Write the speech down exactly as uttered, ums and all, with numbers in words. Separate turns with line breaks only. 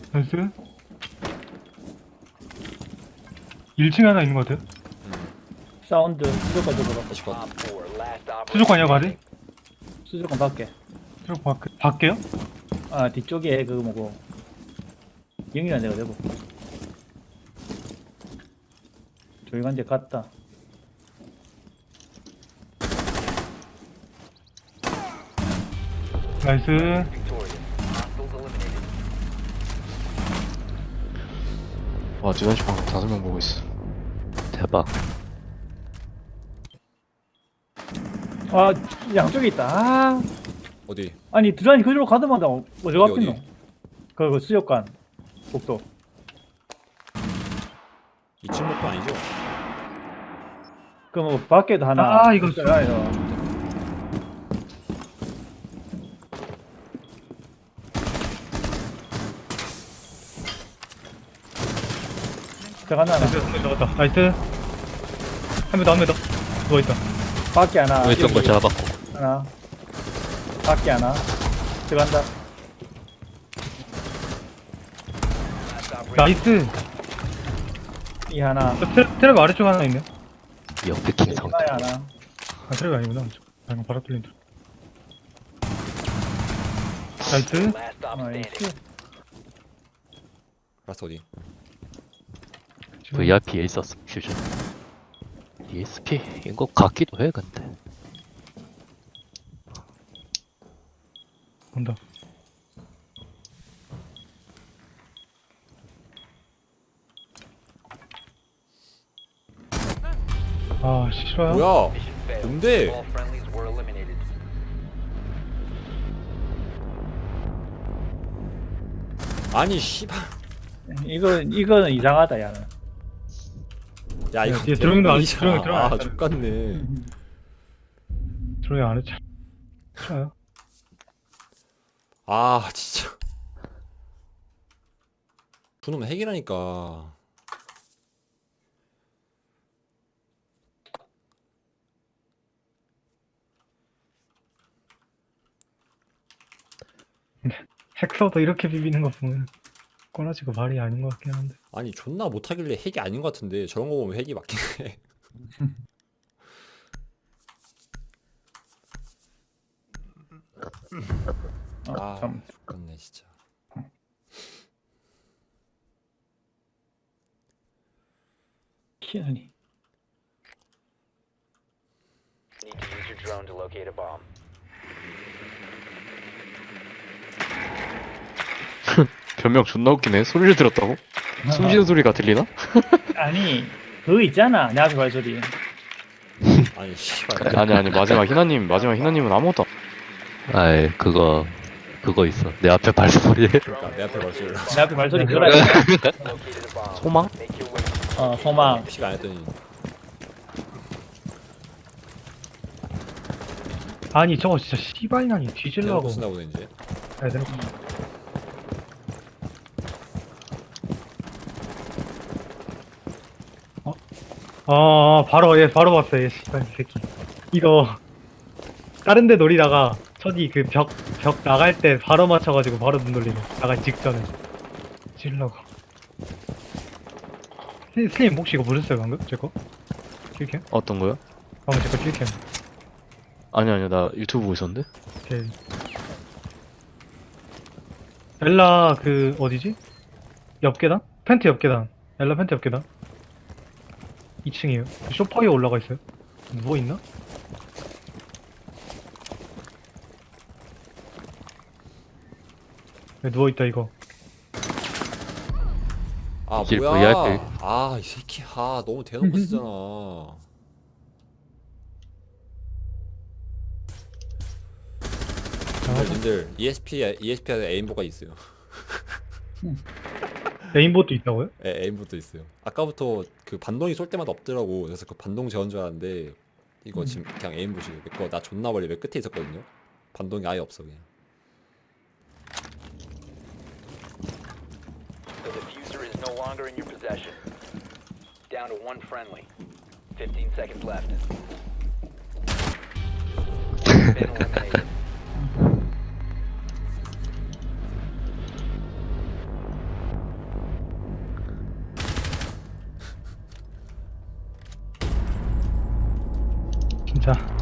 나이스. 일 층에 하나 있는 것 같아요.
사운드 수족관 쪽으로.
다시 봐.
수족관이야, 바리?
수족관 밖에.
수족관 밖, 밖에요?
아 뒤쪽에 그 뭐고 영이란 데가 되고. 조용한데 갔다.
나이스.
와, 듀단시 방금 다섯 명 보고 있어.
대박.
아 양쪽에 있다. 아
어디?
아니 드라니 그쪽으로 가더마다 어디
어디,
갔겠노?
어디?
그, 그 수족관 복도.
이 층 목표 아니죠?
그 뭐 밖에도 하나.
아, 이거
있어요, 이거. 들어간다 하나.
나이스, 한명 잡았다. 나이스. 한 명 더, 한 명 더. 누워있다.
밖에 하나.
왜 있던 거 잡았고.
하나. 밖에 하나. 들어간다.
나이스.
이 하나.
저 트랩, 트랩 아래쪽 하나 있네.
역대킹 상태.
하나에 하나.
아, 트랩이 아니구나. 방금 바로 뚫린 줄. 나이스.
나이스.
라스 어디?
브이아이피에 있었어, 퓨전. 디에스피인 것 같기도 해, 근데.
온다. 아, 싫어요?
뭐야? 뭔데? 아니 씨발.
이거 이거는 이상하다 야는.
야 이거
뒤에 들어오는 거 아니-
대박이잖아.
들어오는 거 들어오는
아
거
족같네.
조용히 안 했죠. 싫어요?
아 진짜. 그놈 핵이라니까.
핵서도 이렇게 비비는 거 보면 꼬라지고 말이 아닌 것 같긴 한데.
아니 존나 못하길래 핵이 아닌 것 같은데 저런 거 보면 핵이 맞긴 해.
어,
아
참.
족같네 진짜.
키우니.
Need to use your drone to locate a bomb.
변명 존나 웃기네. 소리를 들었다고? 숨쉬는 소리가 들리나?
아니 그거 있잖아 내 앞에 발소리.
아니 씨발.
아니 아니 마지막 희나님 마지막 희나님은 아무것도 안-
아이, 그거, 그거 있어. 내 앞에 발소리.
그러니까 내 앞에 벌써 일로.
내 앞에 발소리 그거라.
Located a bomb.
소망?
Make your way.
어 소망.
피가 안 했더니
아니 저거 진짜 씨발년이
대놓고
뒤질라고.
쓴다 보네 이제.
야, 대놓고. 어? 아, 바로 얘 바로 봤어 얘 씨발 새끼. 이거 다른 데 노리다가 저기 그 벽 벽 나갈 때 바로 맞춰가지고 바로 눈 돌리네. 나갈 직전에. 찔라고. 슬- 슬림 혹시 이거 보셨어요 방금? 제 거? 킬캠?
어떤 거요?
방금 제 거 킬캠.
아니 아니 나 유튜브 보고 있었는데.
오케이. 엘라 그 어디지? 옆 계단? 펜트 옆 계단. 엘라 펜트 옆 계단. 이 층이에요. 쇼파 위에 올라가 있어요. 누워 있나? 왜 누워 있다 이거.
아
이게
뭐야?
브이아이피.
아 이 새끼 아 너무 대놓고 쓰잖아. 님들, 님들 이에스피 이에스피 안에 에임보가 있어요.
레인보도 있다고요?
에, 에임보도 있어요. 아까부터 그 반동이 쏠 때마다 없더라고. 그래서 그 반동 제어인 줄 알았는데 이거 지금 그냥 에임보시고 내거 나 존나 멀리 맨 끝에 있었거든요. 반동이 아예 없어 그냥.
The diffuser is no longer in your possession. Down to one friendly. Fifteen seconds left. Been eliminated.
자